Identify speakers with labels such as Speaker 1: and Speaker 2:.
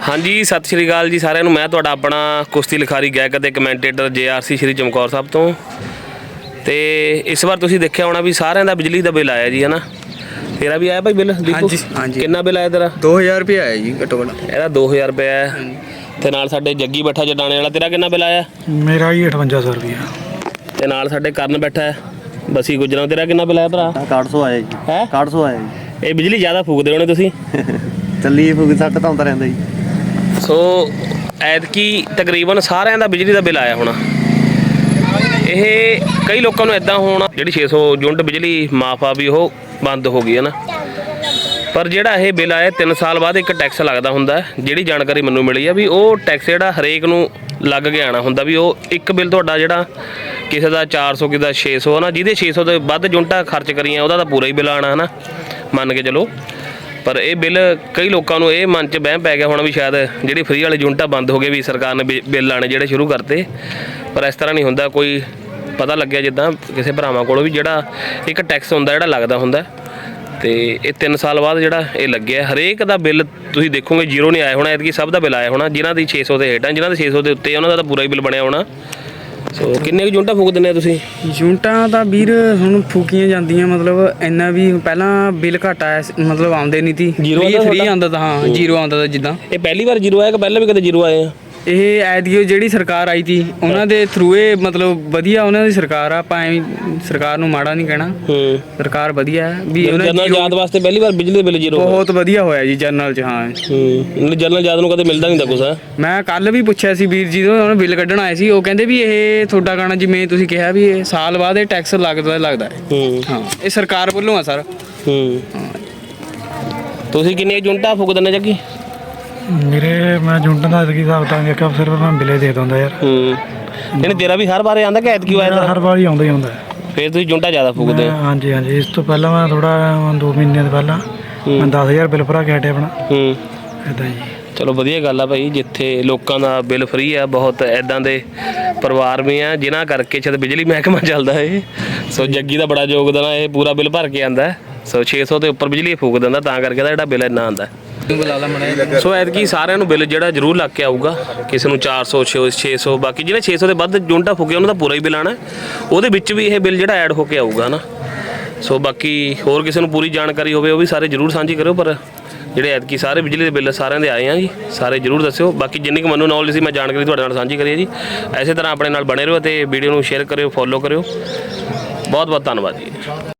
Speaker 1: हाँ जी सत श्री अकाल जी सारिਆਂ ਨੂੰ। मैं ਤੁਹਾਡਾ अपना कुश्ती लिखारी गायक ਅਤੇ ਕਮੈਂਟੇਟਰ JRC श्री चमकौर साहब ਤੋਂ। ਤੇ ਇਸ ਵਾਰ ਤੁਸੀਂ ਦੇਖਿਆ ਹੋਣਾ ਵੀ ਸਾਰਿਆਂ ਦਾ ਬਿਜਲੀ ਦਾ ਬਿੱਲ ਆਇਆ ਜੀ ਹੈ ਨਾ। ਤੇਰਾ ਵੀ ਆਇਆ ਭਾਈ ਬਿੱਲ?
Speaker 2: हाँ जी हाँ जी।
Speaker 1: ਕਿੰਨਾ ਬਿੱਲ ਆਇਆ ਤੇਰਾ?
Speaker 2: 2000 रुपये आया जी घट्टो घट्ट।
Speaker 1: ਇਹਦਾ 2000 ਰੁਪਏ ਆਇਆ। ਤੇ ਨਾਲ ਸਾਡੇ ਜੱਗੀ ਬੈਠਾ ਜਡਾਣੇ ਵਾਲਾ, ਤੇਰਾ ਕਿੰਨਾ ਬਿੱਲ ਆਇਆ?
Speaker 3: मेरा ही 5800 रुपया।
Speaker 1: ਤੇ ਨਾਲ ਸਾਡੇ ਕਰਨ ਬੈਠਾ ਹੈ ਬਸੀ ਗੁਜਰਾਂ, ਤੇਰਾ ਕਿੰਨਾ ਬਿੱਲ ਆਇਆ ਭਰਾ?
Speaker 2: 6100 आया जी।
Speaker 1: ਹੈ
Speaker 2: 6100 आया जी।
Speaker 1: ਇਹ ਬਿਜਲੀ ਜ਼ਿਆਦਾ ਫੂਕਦੇ ਹੋਣੇ ਤੁਸੀਂ।
Speaker 2: ਚੱਲੀ ਫੁੱਕ ਸੱਟ ਤਾਂ ਆਉਂਦਾ ਰਹਿੰਦਾ ਜੀ।
Speaker 1: ਸੋ ਐਤਕੀ ਤਕਰੀਬਨ ਸਾਰਿਆਂ ਦਾ ਬਿਜਲੀ ਦਾ ਬਿੱਲ ਆਇਆ ਹੋਣਾ। ਇਹ ਕਈ ਲੋਕਾਂ ਨੂੰ ਇਦਾਂ ਹੋਣਾ ਜਿਹੜੀ 600 ਯੂਨਿਟ ਬਿਜਲੀ ਮਾਫ ਆ ਵੀ ਉਹ ਬੰਦ ਹੋ ਗਈ ਹੈ ਨਾ। ਪਰ ਜਿਹੜਾ ਇਹ ਬਿੱਲ ਆਇਆ 3 ਸਾਲ ਬਾਅਦ ਇੱਕ ਟੈਕਸ ਲੱਗਦਾ ਹੁੰਦਾ। ਜਿਹੜੀ ਜਾਣਕਾਰੀ ਮੈਨੂੰ ਮਿਲੀ ਆ ਵੀ ਉਹ ਟੈਕਸ ਜਿਹੜਾ ਹਰੇਕ ਨੂੰ ਲੱਗ ਕੇ ਆਉਣਾ ਹੁੰਦਾ। ਵੀ ਉਹ ਇੱਕ ਬਿੱਲ ਤੁਹਾਡਾ ਜਿਹੜਾ ਕਿਸੇ ਦਾ 400 ਕਿਸੇ ਦਾ 600 ਨਾ, ਜਿਹਦੇ 600 ਤੋਂ ਵੱਧ ਯੂਨਿਟਾਂ ਖਰਚ ਕਰੀਆਂ ਉਹਦਾ ਤਾਂ ਪੂਰਾ ਹੀ ਬਿੱਲ ਆਉਣਾ ਹੈ ਨਾ, ਮੰਨ ਕੇ ਚਲੋ। ਪਰ ਇਹ ਬਿੱਲ ਕਈ ਲੋਕਾਂ ਨੂੰ ਇਹ ਮਨ 'ਚ ਵਹਿਮ ਪੈ ਗਿਆ ਹੋਣਾ ਵੀ ਸ਼ਾਇਦ ਜਿਹੜੀ ਫਰੀ ਵਾਲੇ ਯੂਨਿਟਾਂ ਬੰਦ ਹੋ ਗਏ ਵੀ ਸਰਕਾਰ ਨੇ ਬਿੱਲ ਆਉਣੇ ਜਿਹੜੇ ਸ਼ੁਰੂ ਕਰਤੇ। ਪਰ ਇਸ ਤਰ੍ਹਾਂ ਨਹੀਂ ਹੁੰਦਾ। ਕੋਈ ਪਤਾ ਲੱਗਿਆ ਜਿੱਦਾਂ ਕਿਸੇ ਭਰਾਵਾਂ ਕੋਲੋਂ ਵੀ ਜਿਹੜਾ ਇੱਕ ਟੈਕਸ ਹੁੰਦਾ ਜਿਹੜਾ ਲੱਗਦਾ ਹੁੰਦਾ। ਤੇ ਇਹ 3 ਸਾਲ ਬਾਅਦ ਜਿਹੜਾ ਇਹ ਲੱਗਿਆ। ਹਰੇਕ ਦਾ ਬਿੱਲ ਤੁਸੀਂ ਦੇਖੋਗੇ ਜ਼ੀਰੋ ਨਹੀਂ ਆਇਆ ਹੋਣਾ, ਐਤਕੀ ਸਭ ਦਾ ਬਿੱਲ ਆਇਆ ਹੋਣਾ। ਜਿਨ੍ਹਾਂ ਦੀ 600 ਦੇ ਹੇਠਾਂ, ਜਿਨ੍ਹਾਂ ਦੇ 600 ਦੇ ਉੱਤੇ ਉਹਨਾਂ ਦਾ ਤਾਂ ਪੂਰਾ ਹੀ ਬਿੱਲ ਬਣਿਆ ਹੋਣਾ। ਸੋ ਕਿੰਨੇ ਕੁ ਯੂਨਿਟਾਂ ਫੂਕ ਦਿੰਦੇ ਤੁਸੀਂ?
Speaker 4: ਯੂਨਿਟਾਂ ਤਾਂ ਵੀਰ ਹੁਣ ਫੂਕੀਆਂ ਜਾਂਦੀਆਂ, ਮਤਲਬ ਇੰਨਾ ਵੀ ਪਹਿਲਾਂ ਬਿੱਲ ਘੱਟ ਆਇਆ ਮਤਲਬ ਆਉਂਦੇ ਨਹੀਂ ਤੀ।
Speaker 1: ਜ਼ੀਰੋ ਆਉਂਦਾ
Speaker 4: ਫ੍ਰੀ
Speaker 1: ਤੁਹਾਡਾ?
Speaker 4: ਆਉਂਦਾ ਤਾਂ, ਹਾਂ ਜ਼ੀਰੋ ਆਉਂਦਾ ਤਾਂ। ਜਿੱਦਾਂ
Speaker 1: ਇਹ ਪਹਿਲੀ ਵਾਰ ਜ਼ੀਰੋ ਆਇਆ ਕਿ ਪਹਿਲਾਂ ਵੀ ਕਦੇ ਜ਼ੀਰੋ ਆਏ ਆ?
Speaker 4: ਇਹ ਐਤਕੀ ਜਿਹੜੀ ਸਰਕਾਰ ਆਈ ਤੀ ਉਹਨਾਂ ਦੇ ਥਰੂ ਇਹ ਮਤਲਬ ਵਧੀਆ ਉਹਨਾਂ ਦੀ ਸਰਕਾਰ ਆ। ਆਪਾਂ ਐਵੇਂ ਸਰਕਾਰ ਨੂੰ ਮਾੜਾ ਨਹੀਂ ਕਹਿਣਾ, ਸਰਕਾਰ ਵਧੀਆ ਹੈ ਵੀ ਉਹਨਾਂ
Speaker 1: ਜਨਰਲ ਜਾਤ ਵਾਸਤੇ ਪਹਿਲੀ ਵਾਰ ਬਿਜਲੀ ਦੇ ਬਿੱਲ ਜ਼ੀਰੋ
Speaker 4: ਬਹੁਤ ਵਧੀਆ ਹੋਇਆ ਜੀ ਜਨਰਲ 'ਚ। ਹਾਂ
Speaker 1: ਜਨਰਲ ਜਾਤ ਨੂੰ ਕਦੇ ਮਿਲਦਾ ਨਹੀਂ ਤਾਂ ਕੁਛ।
Speaker 4: ਮੈਂ ਕੱਲ ਵੀ ਪੁੱਛਿਆ ਸੀ ਵੀਰ ਜੀ ਤੋਂ, ਉਹਨਾਂ ਬਿੱਲ ਕੱਢਣ ਆਏ ਸੀ। ਉਹ ਕਹਿੰਦੇ ਵੀ ਇਹ ਤੁਹਾਡਾ ਗਾਣਾ ਜਿਵੇਂ ਤੁਸੀਂ ਕਿਹਾ ਵੀ ਇਹ ਸਾਲ ਬਾਅਦ ਇਹ ਟੈਕਸ ਲੱਗਦਾ ਹੈ। ਹਾਂ ਇਹ ਸਰਕਾਰ ਵੱਲੋਂ ਆ ਸਰ।
Speaker 1: ਤੁਸੀਂ ਕਿੰਨੇ ਯੂਨਿਟਾਂ ਫੂਕ ਦਿੰਦੇ ਜੱਗੀ?
Speaker 3: मेरे मैं यूनिट का की हिसाब किताब देखा सिर्फ मैं बिले दे दूँगा यार।
Speaker 1: ਇਹਨੇ ਤੇਰਾ ਵੀ ਹਰ ਵਾਰ ਆਉਂਦਾ ਕਿ ਐਤਕੀ ਆਇਆ?
Speaker 3: हर बार ही आਉਂਦਾ ही आਉਂਦਾ।
Speaker 1: ਫਿਰ ਤੁਸੀਂ ਯੂਨਿਟਾਂ ਜ਼ਿਆਦਾ ਫੂਕਦੇ?
Speaker 3: हाँ जी हाँ जी। इस तो पहला मैं थोड़ा 2 महीने तो पहला मैं 10000 बिल भरा के हटे अपना इदा जी।
Speaker 1: ਚਲੋ ਵਧੀਆ ਗੱਲ ਆ ਭਾਈ, ਜਿੱਥੇ ਲੋਕਾਂ ਦਾ ਬਿੱਲ ਫ੍ਰੀ ਆ। ਬਹੁਤ ਐਦਾਂ ਦੇ ਪਰਿਵਾਰ ਵੀ ਆ ਜਿਨ੍ਹਾਂ ਕਰਕੇ ਸ਼ਾਇਦ ਬਿਜਲੀ ਮਹਿਕਮਾ ਚੱਲਦਾ ਹੈ। ਸੋ ਜੱਗੀ ਦਾ ਬੜਾ ਯੋਗਦਾਨ ਆ, ਇਹ ਪੂਰਾ ਬਿੱਲ ਭਰ ਕੇ ਆਂਦਾ। ਸੋ 600 ਦੇ ਉੱਪਰ ਬਿਜਲੀ ਫੂਕ ਦਿੰਦਾ, ਤਾਂ ਕਰਕੇ ਦਾ ਜਿਹੜਾ ਬਿੱਲ ਇੰਨਾ ਆਉਂਦਾ। ਸੋ ਐਤਕੀ ਸਾਰਿਆਂ ਨੂੰ ਬਿੱਲ ਜਿਹੜਾ ਜ਼ਰੂਰ ਲੱਗ ਕੇ ਆਊਗਾ। ਕਿਸੇ ਨੂੰ 400 600, ਬਾਕੀ ਜਿਹੜੇ 600 ਦੇ ਵੱਧ ਯੂਨਿਟਾਂ ਫੂਕੇ ਉਹਨਾਂ ਦਾ ਪੂਰਾ ਹੀ ਬਿੱਲ ਆਉਣਾ। ਉਹਦੇ ਵਿੱਚ ਵੀ ਇਹ ਬਿੱਲ ਜਿਹੜਾ ਐਡ ਹੋ ਕੇ ਆਊਗਾ ਨਾ। ਸੋ ਬਾਕੀ ਹੋਰ ਕਿਸੇ ਨੂੰ ਪੂਰੀ ਜਾਣਕਾਰੀ ਹੋਵੇ ਉਹ ਵੀ ਸਾਰੇ ਜ਼ਰੂਰ ਸਾਂਝੀ ਕਰਿਓ। ਪਰ ਜਿਹੜੇ ਐਤਕੀ ਸਾਰੇ ਬਿਜਲੀ ਦੇ ਬਿੱਲ ਸਾਰਿਆਂ ਦੇ ਆਏ ਆ ਜੀ, ਸਾਰੇ ਜ਼ਰੂਰ ਦੱਸਿਓ। ਬਾਕੀ ਜਿੰਨੀ ਕੁ ਮੈਨੂੰ ਨੌਲੇਜ ਸੀ ਮੈਂ ਜਾਣਕਾਰੀ ਤੁਹਾਡੇ ਨਾਲ ਸਾਂਝੀ ਕਰੀ ਹੈ ਜੀ। ਇਸੇ ਤਰ੍ਹਾਂ ਆਪਣੇ ਨਾਲ ਬਣੇ ਰਹੋ ਅਤੇ ਵੀਡੀਓ ਨੂੰ ਸ਼ੇਅਰ ਕਰਿਓ, ਫੋਲੋ ਕਰਿਓ। ਬਹੁਤ ਬਹੁਤ ਧੰਨਵਾਦ ਜੀ।